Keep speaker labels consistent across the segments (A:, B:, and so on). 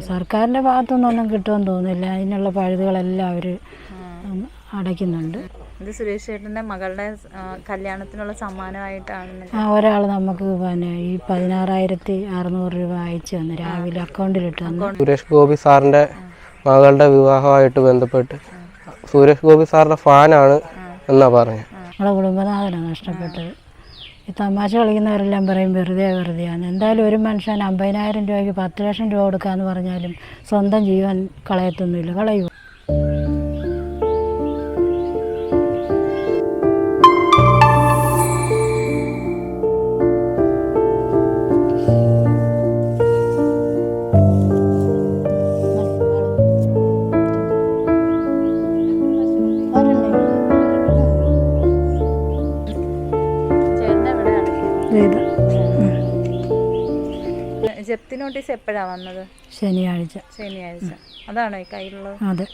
A: സർക്കാരിൻ്റെ ഭാഗത്തുനിന്നൊന്നും കിട്ടുമെന്ന് തോന്നുന്നില്ല. അതിനുള്ള പഴുതുകളെല്ലാം അവർ അടയ്ക്കുന്നുണ്ട്.
B: ഇത് സുരേഷ് ചേട്ടൻ്റെ മകളുടെ കല്യാണത്തിനുള്ള സമ്മാനമായിട്ടാണ്.
A: ഒരാൾ നമുക്ക് പിന്നെ ഈ 16,600 രൂപ അയച്ചു തന്നു, രാവിലെ അക്കൗണ്ടിലിട്ട് തന്നു.
C: സുരേഷ് ഗോപി സാറിൻ്റെ മകളുടെ വിവാഹമായിട്ട് ബന്ധപ്പെട്ട് സുരേഷ് ഗോപി സാറിൻ്റെ ഫാനാണ് എന്നാ പറഞ്ഞത്.
A: നമ്മളെ കുടുംബനാഥനാണ് നഷ്ടപ്പെട്ടത്. ഈ തമാശ കളിക്കുന്നവരെല്ലാം പറയും വെറുതെയാണ്. എന്തായാലും ഒരു മനുഷ്യൻ 50,000 രൂപയ്ക്ക് 10 ലക്ഷം രൂപ കൊടുക്കാമെന്ന് പറഞ്ഞാലും സ്വന്തം ജീവൻ കളയത്തൊന്നുമില്ല, കളയുമോ?
B: ജപ്തി നോട്ടീസ് എപ്പോഴാണ് വന്നത്?
A: ശനിയാഴ്ച.
B: അതാണോ ഈ കയ്യിലുള്ളത്?
A: അതെ.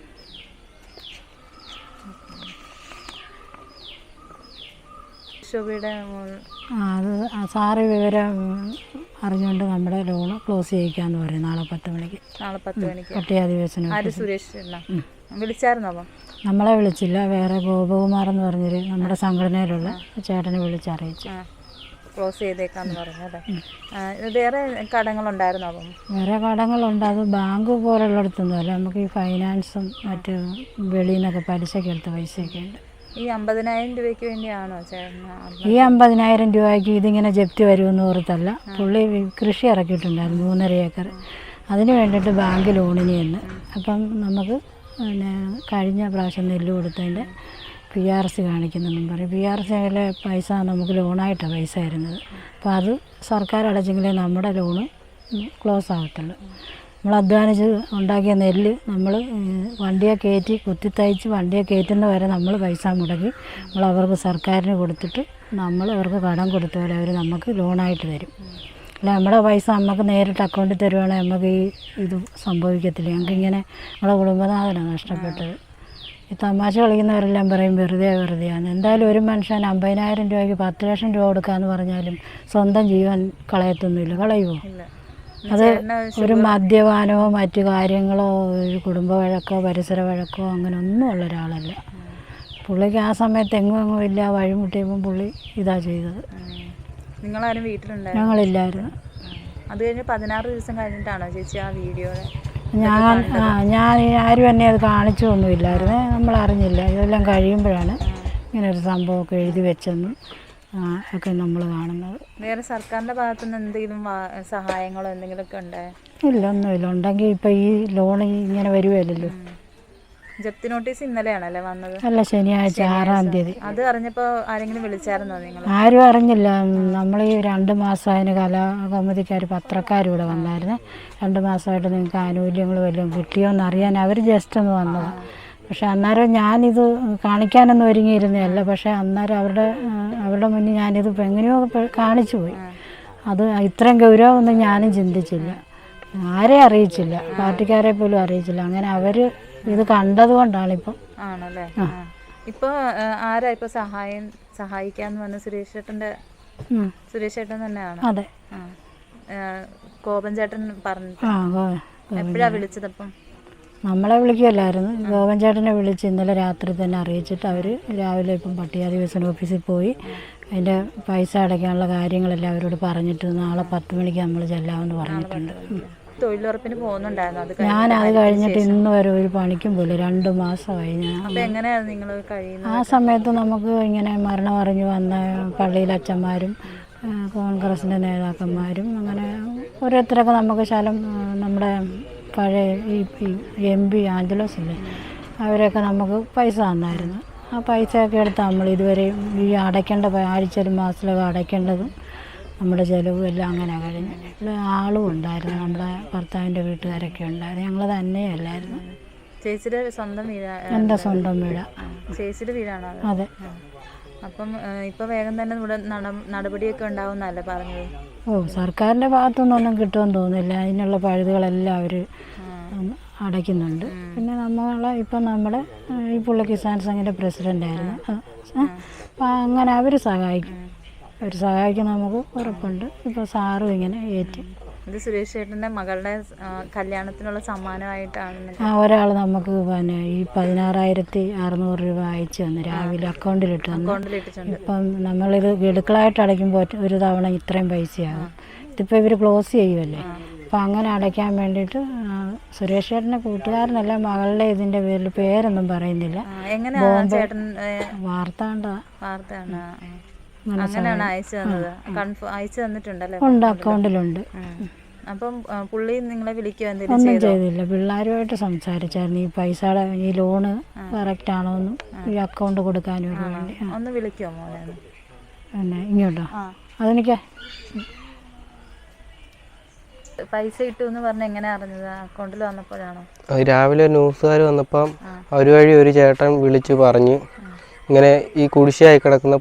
B: ശോഭയുടെ
A: അത് സാറ് വിവരം അറിഞ്ഞുകൊണ്ട് നമ്മുടെ ലോണ് ക്ലോസ് ചെയ്യിക്കാന്ന് പറയും. നാളെ 10 മണിക്ക്. പട്ടികാധിവേശനം.
B: സുരേഷ് വിളിച്ചായിരുന്നോ?
A: നമ്മളെ വിളിച്ചില്ല, വേറെ ഗോപകുമാർ എന്ന് പറഞ്ഞൊരു നമ്മുടെ സംഘടനയിലുള്ള ചേട്ടനെ വിളിച്ചറിയിച്ചു.
B: ക്ലോസ് ചെയ്തേക്കാന്ന് പറഞ്ഞല്ലേ. വേറെ കടങ്ങളുണ്ടായിരുന്നോ?
A: വേറെ കടങ്ങളുണ്ട്. അത് ബാങ്ക് പോലുള്ളിടത്തൊന്നും അല്ല, നമുക്ക് ഈ ഫൈനാൻസും മറ്റ് വെളിയിൽ നിന്നൊക്കെ പലിശയ്ക്ക് എടുത്ത പൈസയൊക്കെ ഉണ്ട്.
B: ഈ 50,000 രൂപയ്ക്ക് വേണ്ടിയാണോ ചേട്ടൻ?
A: ഈ 50,000 രൂപയ്ക്ക് ഇതിങ്ങനെ ജപ്തി വരുമെന്ന് ഓർത്തല്ല. പുള്ളി കൃഷി ഇറക്കിയിട്ടുണ്ടായിരുന്നു 3.5 ഏക്കർ. അതിന് വേണ്ടിയിട്ട് ബാങ്ക് ലോണിന് ചെന്ന്. അപ്പം നമുക്ക് പിന്നെ കഴിഞ്ഞ പ്രാവശ്യം നെല്ല് കൊടുത്തതിൻ്റെ PRC കാണിക്കുന്നെന്നും പറയും. PRCയിലെ പൈസ നമുക്ക് ലോണായിട്ടാണ് പൈസ തരുന്നത്. അപ്പോൾ അത് സർക്കാർ അടച്ചെങ്കിലേ നമ്മുടെ ലോണ് ക്ലോസ് ആകത്തുള്ളൂ. നമ്മൾ അധ്വാനിച്ച് ഉണ്ടാക്കിയ നെല്ല് നമ്മൾ വണ്ടിയെ കയറ്റി കുത്തിത്തയ്ച്ച് വണ്ടിയെ കയറ്റുന്ന വരെ നമ്മൾ പൈസ മുടക്കി നമ്മൾ അവർക്ക് സർക്കാരിന് കൊടുത്തിട്ട് നമ്മൾ അവർക്ക് കടം കൊടുത്ത പോലെ അവർ നമുക്ക് ലോണായിട്ട് തരും. അല്ല നമ്മുടെ പൈസ നമുക്ക് നേരിട്ട് അക്കൗണ്ടിൽ തരുവാണെങ്കിൽ നമുക്ക് ഇത് സംഭവിക്കത്തില്ല. ഞങ്ങൾക്കിങ്ങനെ നമ്മളെ കുടുംബനാഥനാണ് നഷ്ടപ്പെട്ടത്. ഈ തമാശ കളിക്കുന്നവരെല്ലാം പറയും വെറുതെയാണ്. എന്തായാലും ഒരു മനുഷ്യൻ 50,000 രൂപയ്ക്ക് 10 ലക്ഷം രൂപ കൊടുക്കാമെന്ന് പറഞ്ഞാലും സ്വന്തം ജീവൻ കളയത്തൊന്നുമില്ല, കളയുമോ? അത് ഒരു മദ്യപാനമോ മറ്റു കാര്യങ്ങളോ ഒരു കുടുംബ വഴക്കോ പരിസര വഴക്കോ അങ്ങനെ ഒന്നും ഉള്ള ഒരാളല്ല. പുള്ളിക്ക് ആ സമയത്ത് എങ്ങും ഇല്ല, വഴിമുട്ടിയപ്പം പുള്ളി ഇതാ ചെയ്തത്.
B: നിങ്ങളാരും വീട്ടിലുണ്ടായിരുന്നു?
A: ഞങ്ങളില്ലായിരുന്നു.
B: അത് കഴിഞ്ഞ് 16 ദിവസം കഴിഞ്ഞിട്ടാണോ ചേച്ചി ആ വീഡിയോ?
A: ഞാൻ ആരും എന്നെ അത് കാണിച്ചൊന്നുമില്ലായിരുന്നു, നമ്മൾ അറിഞ്ഞില്ല. ഇതെല്ലാം കഴിയുമ്പോഴാണ് ഇങ്ങനൊരു സംഭവമൊക്കെ എഴുതി വെച്ചെന്നും ഒക്കെ നമ്മൾ കാണുന്നത്.
B: വേറെ സർക്കാരിൻ്റെ ഭാഗത്തുനിന്ന് എന്തെങ്കിലും സഹായങ്ങളോ എന്തെങ്കിലുമൊക്കെ ഉണ്ടായോ?
A: ഇല്ല, ഒന്നുമില്ല. ഉണ്ടെങ്കിൽ ഇപ്പം ഈ ലോൺ ഇങ്ങനെ വരുമല്ലോ.
B: ജപ്തി നോട്ടീസ് ഇന്നലെയാണല്ലേ വന്നത്?
A: അല്ല, ശനിയാഴ്ച 6-ാം തീയതി.
B: അത് അറിഞ്ഞപ്പോൾ ആരെങ്കിലും വിളിച്ചായിരുന്നോ നിങ്ങൾ?
A: ആരും അറിഞ്ഞില്ല. നമ്മൾ ഈ 2 മാസമായതിന് കലാകൗമുദിക്കാർ പത്രക്കാർ ഇവിടെ വന്നായിരുന്നു. 2 മാസമായിട്ട് നിങ്ങൾക്ക് ആനുകൂല്യങ്ങൾ വല്ലതും കിട്ടിയോ എന്നറിയാൻ അവർ ജസ്റ്റ് ഒന്ന് വന്നത്. പക്ഷെ അന്നേരം ഞാനിത് കാണിക്കാനൊന്നും ഒരുങ്ങിയിരുന്നതല്ല. പക്ഷേ അന്നേരം അവരുടെ മുന്നിൽ ഞാനിത് എങ്ങനെയോ കാണിച്ചു പോയി. അത് ഇത്രയും ഗൗരവമൊന്നും ഞാനും ചിന്തിച്ചില്ല. ആരെയും അറിയിച്ചില്ല, പാർട്ടിക്കാരെ പോലും അറിയിച്ചില്ല. അങ്ങനെ അവർ ഇത് കണ്ടതുകൊണ്ടാണിപ്പം.
B: ആണല്ലേ. ഇപ്പോൾ ആരാ ഇപ്പോൾ സഹായിക്കാന്ന് വന്ന? സുരേഷ് ചേട്ടൻ തന്നെയാണ്.
A: അതെ.
B: കോപൻ ചേട്ടൻ പറഞ്ഞു. എപ്പോഴാ വിളിച്ചതപ്പം?
A: നമ്മളെ വിളിക്കുകയല്ലായിരുന്നു, ഗോപൻ ചേട്ടനെ വിളിച്ച് ഇന്നലെ രാത്രി തന്നെ അറിയിച്ചിട്ട് അവർ രാവിലെ ഇപ്പം പട്ടികാധിവേശന ഓഫീസിൽ പോയി അതിൻ്റെ പൈസ അടയ്ക്കാനുള്ള കാര്യങ്ങളെല്ലാം അവരോട് പറഞ്ഞിട്ട് നാളെ 10 മണിക്ക് നമ്മൾ ചെല്ലാമെന്ന് പറഞ്ഞിട്ടുണ്ട്.
B: തൊഴിലുറപ്പിന് പോകുന്നുണ്ടായിരുന്നു?
A: ഞാനത് കഴിഞ്ഞിട്ട് ഇന്ന് വരെ ഒരു പണിക്കും പോലും 2 മാസമായി.
B: എങ്ങനെയാണ് നിങ്ങൾ കഴിയുന്നത്?
A: ആ സമയത്ത് നമുക്ക് ഇങ്ങനെ മരണം അറിഞ്ഞു വന്ന പള്ളിയിലെ അച്ഛന്മാരും കോൺഗ്രസിൻ്റെ നേതാക്കന്മാരും അങ്ങനെ ഓരോരുത്തരൊക്കെ നമുക്ക് ശലം നമ്മുടെ പഴയ ഈ MP ആഞ്ചലോസ് ഇല്ലേ, അവരൊക്കെ നമുക്ക് പൈസ തന്നായിരുന്നു. ആ പൈസയൊക്കെ എടുത്ത് നമ്മൾ ഇതുവരെ ഈ അടയ്ക്കേണ്ട ആഴ്ചയിലും മാസത്തിലൊക്കെ അടയ്ക്കേണ്ടതും നമ്മുടെ ചിലവും എല്ലാം അങ്ങനെ കഴിഞ്ഞു. ഇവിടെ ആളും ഉണ്ടായിരുന്നു, നമ്മുടെ ഭർത്താവിൻ്റെ വീട്ടുകാരൊക്കെ ഉണ്ടായിരുന്നു. ഞങ്ങൾ തന്നെയല്ലായിരുന്നു.
B: ചേച്ചിയുടെ സ്വന്തം വീടാ?
A: എൻ്റെ സ്വന്തം വീടാ.
B: ചേച്ചിയുടെ വീടാണോ?
A: അതെ.
B: അപ്പം ഇപ്പോൾ വേഗം തന്നെ ഇവിടെ നടപടിയൊക്കെ ഉണ്ടാവുന്നല്ലേ പറഞ്ഞത്?
A: സർക്കാരിൻ്റെ ഭാഗത്തുനിന്നൊന്നും കിട്ടുമെന്ന് തോന്നുന്നില്ല. അതിനുള്ള പഴുതുകളെല്ലാം അവർ അടയ്ക്കുന്നുണ്ട്. പിന്നെ ഇപ്പം നമ്മുടെ ഈ പുള്ളി കിസാൻ സംഘിൻ്റെ പ്രസിഡൻ്റായിരുന്നു. അപ്പം അങ്ങനെ അവർ സഹായിക്കും, നമുക്ക് ഉറപ്പുണ്ട്. ഇപ്പോൾ സാറും ഇങ്ങനെ
B: ഇത് സുരേഷ് ചേട്ടൻ്റെ മകളുടെ കല്യാണത്തിനുള്ള സമ്മാനമായിട്ടാണ്.
A: ഒരാൾ നമുക്ക് പിന്നെ ഈ 16,600 രൂപ അയച്ചു തന്നു, രാവിലെ അക്കൗണ്ടിലിട്ട് തന്നു.
B: കൊണ്ടിലിട്ടിട്ടുണ്ട്.
A: ഇപ്പം നമ്മളിത് ഗഡുക്കളായിട്ട് അടയ്ക്കുമ്പോൾ ഒരു തവണ ഇത്രയും പൈസയാകും. ഇതിപ്പോൾ ഇവർ ക്ലോസ് ചെയ്യുമല്ലേ, അപ്പം അങ്ങനെ അടയ്ക്കാൻ വേണ്ടിയിട്ട് സുരേഷ് ചേട്ടൻ്റെ കൂട്ടുകാരനല്ല, മകളുടെ ഇതിൻ്റെ പേരിൽ പേരൊന്നും പറയുന്നില്ല.
B: എങ്ങനെയാണ് ചേട്ടൻ
A: വാർത്താണ്ടാ
B: വാർത്തയാണ്? അങ്ങനെയാണ് അയച്ചു തന്നത്. അയച്ചു തന്നിട്ടുണ്ടല്ലേ?
A: ഉണ്ട്, അക്കൗണ്ടിലുണ്ട്.
B: അപ്പം പുള്ളി നിങ്ങളെ വിളിക്കുക
A: ഒന്നും ചെയ്തില്ല. പിള്ളേരുമായിട്ട് സംസാരിച്ചായിരുന്നു ഈ പൈസയുടെ ഈ ലോണ് കറക്റ്റ് ആണോന്നും ഈ അക്കൗണ്ട് കൊടുക്കാനും വേണ്ടി.
B: ഒന്ന് വിളിക്കുമോ മോനെ?
A: പിന്നെ ഇങ്ങോട്ടോ? അതെനിക്ക്
B: പൈസ ഇട്ടു എന്ന് പറഞ്ഞ എങ്ങനെ അറിഞ്ഞത്? അക്കൗണ്ടിൽ വന്നപ്പോഴാണോ?
C: രാവിലെ ന്യൂസുകാർ വന്നപ്പം അവർ വഴി ഒരു ചേട്ടൻ വിളിച്ച് പറഞ്ഞ് ഇങ്ങനെ ഈ കുടിശ്ശിയായി കിടക്കുന്ന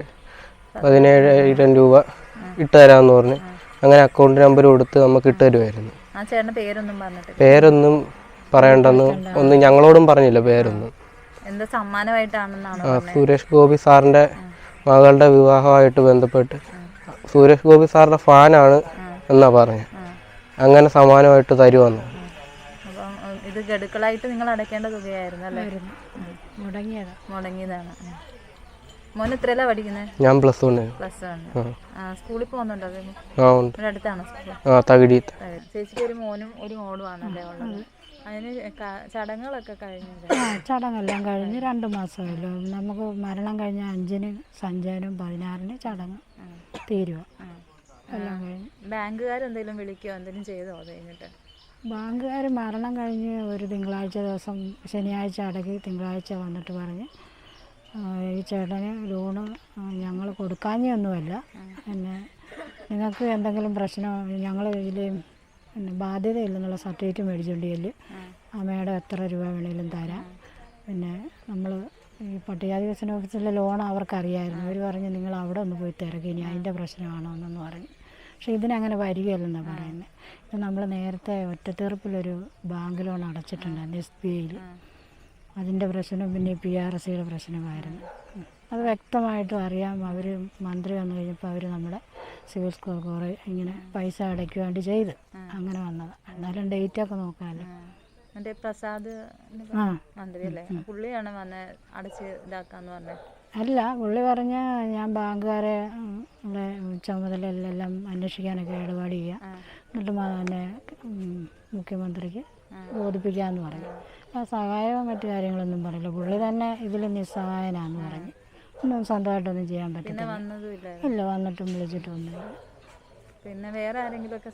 C: 17,000 രൂപ ഇട്ട് തരാമെന്ന് പറഞ്ഞ് അങ്ങനെ അക്കൗണ്ട് നമ്പർ കൊടുത്ത് നമുക്ക് ഇട്ട് തരുമായിരുന്നു.
B: ആ ചേട്ടൻ്റെ പേരൊന്നും പറഞ്ഞിട്ട്?
C: പേരൊന്നും പറയണ്ടെന്ന് ഒന്നും ഞങ്ങളോടും പറഞ്ഞില്ല പേരൊന്നും.
B: എന്താ സമ്മാനമായിട്ടാണെന്നാണോ?
C: സുരേഷ് ഗോപി സാറിൻ്റെ മകളുടെ വിവാഹമായിട്ട് ബന്ധപ്പെട്ട് സുരേഷ് ഗോപി സാറിൻ്റെ ഫാനാണ് എന്നാ പറഞ്ഞത്. അങ്ങനെ സമ്മാനമായിട്ട് തരുമെന്ന്.
B: അപ്പം ഇത് ഗഡുക്കളായിട്ട് നിങ്ങൾ അടയ്ക്കേണ്ട തുകയായിരുന്നു അല്ലേ? മുടങ്ങിയതാണ്. മോൻ എത്രയല്ല പഠിക്കുന്നത്?
C: ഞാൻ +1.
B: സ്കൂളിൽ പോകുന്നുണ്ടോ?
C: ഉണ്ട്.
B: അടുത്താണോ സ്കൂൾ?
C: തകഴി.
B: ചേച്ചിക്ക് ഒരു മോനും ഒരു മോളും ആണല്ലേ ഉള്ളത്? അതിന് ചടങ്ങുകളൊക്കെ കഴിഞ്ഞു?
A: ചടങ്ങെല്ലാം കഴിഞ്ഞ് 2 മാസമല്ലോ. നമുക്ക് മരണം കഴിഞ്ഞ 5-ന് സഞ്ചയനം, 16-ന് ചടങ്ങ് തീരുവ എല്ലാം കഴിഞ്ഞ്.
B: ബാങ്കുകാരെന്തെങ്കിലും വിളിക്കുകയോ എന്തെങ്കിലും ചെയ്തോ അത് കഴിഞ്ഞിട്ട്?
A: ബാങ്കുകാർ മരണം കഴിഞ്ഞ് ഒരു തിങ്കളാഴ്ച ദിവസം, ശനിയാഴ്ച അടക്കി തിങ്കളാഴ്ച വന്നിട്ട് പറഞ്ഞ് ഈ ചേട്ടന് ലോണ് ഞങ്ങൾ കൊടുക്കാഞ്ഞൊന്നുമല്ല, പിന്നെ നിങ്ങൾക്ക് എന്തെങ്കിലും പ്രശ്നം ഞങ്ങൾ ഇതിൽ പിന്നെ ബാധ്യതയില്ലെന്നുള്ള സർട്ടിഫിക്കറ്റ് മേടിച്ചുകൊണ്ട് ചെല്ല്, അമ്മയുടെ എത്ര രൂപ വേണേലും തരാം. പിന്നെ നമ്മൾ ഈ പട്ടികജാതി വികസന ഓഫീസിലെ ലോൺ അവർക്കറിയായിരുന്നു. അവർ പറഞ്ഞ് നിങ്ങൾ അവിടെ ഒന്ന് പോയി തിരക്കി, ഇനി അതിൻ്റെ പ്രശ്നമാണോ എന്നൊന്ന് പറഞ്ഞു. പക്ഷേ ഇതിനങ്ങനെ വരികയല്ലെന്നാണ് പറയുന്നത്. ഇത് നമ്മൾ നേരത്തെ ഒറ്റത്തീർപ്പിലൊരു ബാങ്ക് ലോൺ അടച്ചിട്ടുണ്ടായിരുന്നു SBIയിൽ. അതിൻ്റെ പ്രശ്നം പിന്നെ PRCയുടെ പ്രശ്നമായിരുന്നു. അത് വ്യക്തമായിട്ടും അറിയാം. അവർ മന്ത്രി വന്നു കഴിഞ്ഞപ്പോൾ അവർ നമ്മുടെ സിവിൽ സ്കോർ കുറേ ഇങ്ങനെ പൈസ അടയ്ക്കുക വേണ്ടി ചെയ്ത് അങ്ങനെ വന്നത്. എന്നാലും ഡേറ്റൊക്കെ നോക്കാമല്ലോ.
B: മറ്റേ പ്രസാദ് മന്ത്രി അല്ലേ, പുള്ളിയാണ് വന്ന് അടച്ച് ഇതാക്കാന്ന് പറഞ്ഞത്?
A: അല്ല, പുള്ളി പറഞ്ഞ ഞാൻ ബാങ്കുകാരെ ചുമതലയെല്ലാം അന്വേഷിക്കാനൊക്കെ ഇടപാട് ചെയ്യാം, എന്നിട്ട് തന്നെ മുഖ്യമന്ത്രിക്ക് ബോധിപ്പിക്കാമെന്ന് പറഞ്ഞു. സഹായമോ മറ്റു കാര്യങ്ങളൊന്നും പറയില്ല. പുള്ളി തന്നെ ഇതിൽ നിസ്സഹായനാന്ന് പറഞ്ഞു. ഒന്നും സ്വന്തമായിട്ടൊന്നും ചെയ്യാൻ പറ്റില്ല. ഇല്ല, വന്നിട്ടും വിളിച്ചിട്ടൊന്നുമില്ല.
B: പിന്നെ വേറെ ആരെങ്കിലുമൊക്കെ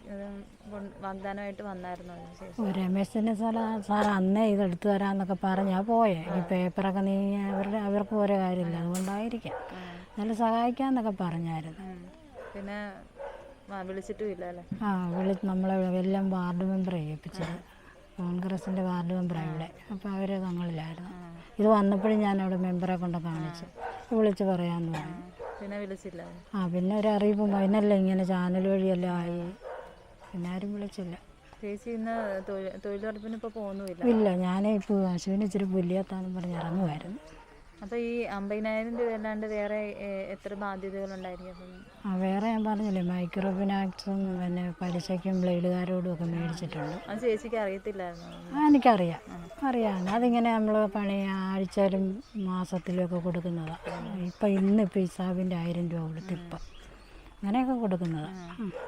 B: വാഗ്ദാനമായിട്ട് വന്നായിരുന്നോ?
A: രമേശിൻ്റെ സാർ അന്നേ ഇതെടുത്തു തരാമെന്നൊക്കെ പറഞ്ഞാൽ പോയേ. ഈ പേപ്പറൊക്കെ നീങ്ങി അവർക്ക് ഓരോ കാര്യമില്ല, അതുകൊണ്ടായിരിക്കാം. നല്ല സഹായിക്കാമെന്നൊക്കെ പറഞ്ഞായിരുന്നു.
B: പിന്നെ വിളിച്ചിട്ടും ഇല്ല അല്ലേ?
A: നമ്മളെ എല്ലാം വാർഡ് മെമ്പറെ ഏൽപ്പിച്ചത്, കോൺഗ്രസിൻ്റെ വാർഡ് മെമ്പറാണ് ഇവിടെ. അപ്പോൾ അവർ തങ്ങളിലായിരുന്നു. ഇത് വന്നപ്പോഴും ഞാൻ അവിടെ മെമ്പറെ കൊണ്ട് കാണിച്ചു, വിളിച്ച് പറയാമെന്ന് പറഞ്ഞു.
B: പിന്നെ വിളിച്ചില്ല?
A: പിന്നെ ഒരു അറിയിപ്പ് അതിനല്ല ഇങ്ങനെ ചാനൽ വഴിയെല്ലാം ആയി, പിന്നെ ആരും വിളിച്ചില്ല.
B: ചേച്ചി ഇന്ന് തൊഴിലുറപ്പിന് ഇപ്പോൾ പോകുന്നുമില്ല?
A: ഇല്ല, ഞാനേ ഇപ്പോൾ അശ്വിന് ഇച്ചിരി പുല്ലിയത്താന്നും പറഞ്ഞ് ഇറങ്ങുമായിരുന്നു.
B: അപ്പോൾ ഈ 50,000 രൂപ അല്ലാണ്ട് വേറെ എത്ര ബാധ്യതകളുണ്ടായിരിക്കും?
A: വേറെ ഞാൻ പറഞ്ഞില്ലേ, മൈക്രോ ഫിനാൻസും പിന്നെ പലിശയ്ക്കും ബ്ലേഡുകാരോടും ഒക്കെ മേടിച്ചിട്ടുണ്ട്.
B: അത് ചേച്ചിക്ക് അറിയത്തില്ലായിരുന്നു?
A: എനിക്കറിയാം, അതിങ്ങനെ നമ്മൾ പണി ആഴ്ചയിലും മാസത്തിലും ഒക്കെ കൊടുക്കുന്നതാണ്. ഇന്നിപ്പോൾ ഇസാബിൻ്റെ 1000 രൂപ കൊടുത്ത് ഇപ്പം അങ്ങനെയൊക്കെ കൊടുക്കുന്നതാണ്.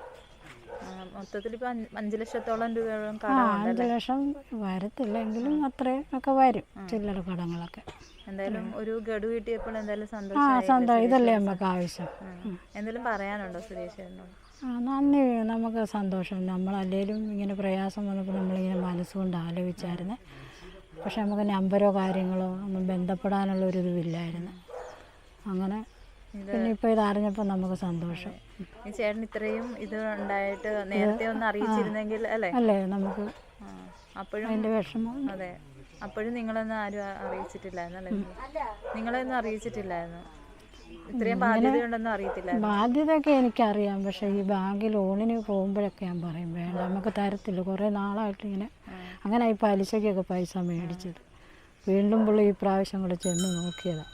B: മൊത്തത്തിൽ ഇപ്പോൾ 5 ലക്ഷത്തോളം രൂപയോളം?
A: 5 ലക്ഷം വരത്തില്ലെങ്കിലും അത്രയും ഒക്കെ വരും ചില്ലറ കടങ്ങളൊക്കെ.
B: എന്തായാലും ഒരു ഗഡു കിട്ടിയപ്പോൾ എന്തായാലും
A: സന്തോഷം. ഇതല്ലേ നമുക്ക് ആവശ്യം.
B: എന്തെങ്കിലും പറയാനുണ്ടോ സുരേഷ്?
A: നന്ദി, നമുക്ക് സന്തോഷം. നമ്മളല്ലേലും ഇങ്ങനെ പ്രയാസം വന്നപ്പോൾ നമ്മളിങ്ങനെ മനസ്സുകൊണ്ട് ആലോചിച്ചായിരുന്നു. പക്ഷെ നമുക്ക് നമ്പരോ കാര്യങ്ങളോ ഒന്നും ബന്ധപ്പെടാനുള്ളൊരിതുമില്ലായിരുന്നു. അങ്ങനെ പിന്നെ ഇപ്പോൾ ഇതറിഞ്ഞപ്പോൾ നമുക്ക് സന്തോഷം.
B: ഈ ചേട്ടൻ ഇത്രയും ഇത് ഉണ്ടായിട്ട് നേരത്തെ ഒന്ന് അറിയിച്ചിരുന്നെങ്കിൽ അല്ലേ നമുക്ക് അപ്പോഴും
A: അതിൻ്റെ വിഷമം.
B: അതെ, അപ്പോഴും നിങ്ങളൊന്നും ആരും അറിയിച്ചിട്ടില്ലായിരുന്നു അല്ലേ? നിങ്ങളെയൊന്നും അറിയിച്ചിട്ടില്ലായിരുന്നു? ഇത്രയും ബാധ്യതയുണ്ടെന്നും അറിയത്തില്ലായിരുന്നു?
A: ബാധ്യതയൊക്കെ എനിക്കറിയാം, പക്ഷേ ഈ ബാങ്ക് ലോണിന് പോകുമ്പോഴൊക്കെ ഞാൻ പറയും വേണ്ട, നമുക്ക് തരത്തില്ല. കുറേ നാളായിട്ട് ഇങ്ങനെ അങ്ങനെ ഈ പലിശയ്ക്കൊക്കെ പൈസ മേടിച്ചത്. വീണ്ടും പുള്ളി ഈ പ്രാവശ്യം കൂടെ ചെന്ന് നോക്കിയതാണ്.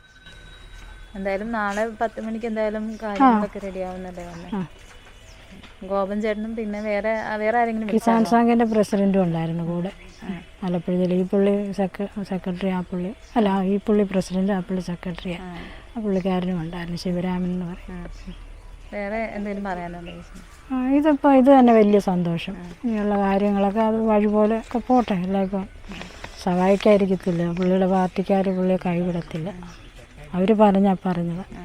B: എന്തായാലും നാളെ 10 മണിക്ക് എന്തായാലും കാര്യങ്ങളൊക്കെ റെഡി ആവുന്നല്ലേ? ഗോപൻ ചേട്ടനും പിന്നെ വേറെ ആരെങ്കിലും
A: കിസാൻ സംഘിൻ്റെ പ്രസിഡൻറ്റും ഉണ്ടായിരുന്നു കൂടെ ആലപ്പുഴ ജില്ല. ഈ പുള്ളി സെക്രട്ടറി, ആ പുള്ളി അല്ല, ഈ പുള്ളി പ്രസിഡന്റ്, ആ പുള്ളി സെക്രട്ടറിയാണ്. ആ പുള്ളിക്കാരനും ഉണ്ടായിരുന്നു, ശിവരാമൻ എന്ന് പറയും.
B: വേറെ എന്തെങ്കിലും പറയാനുണ്ടോ?
A: ഇതിപ്പോൾ ഇത് തന്നെ വലിയ സന്തോഷം. ഇങ്ങനെയുള്ള കാര്യങ്ങളൊക്കെ അത് വഴി പോലെ ഒക്കെ പോട്ടെ. അല്ല ഇപ്പം സഹായിക്കാതിരിക്കത്തില്ല. പുള്ളിയുടെ പാർട്ടിക്കാർ പുള്ളിയെ കൈവിടത്തില്ല. അവർ പറഞ്ഞത്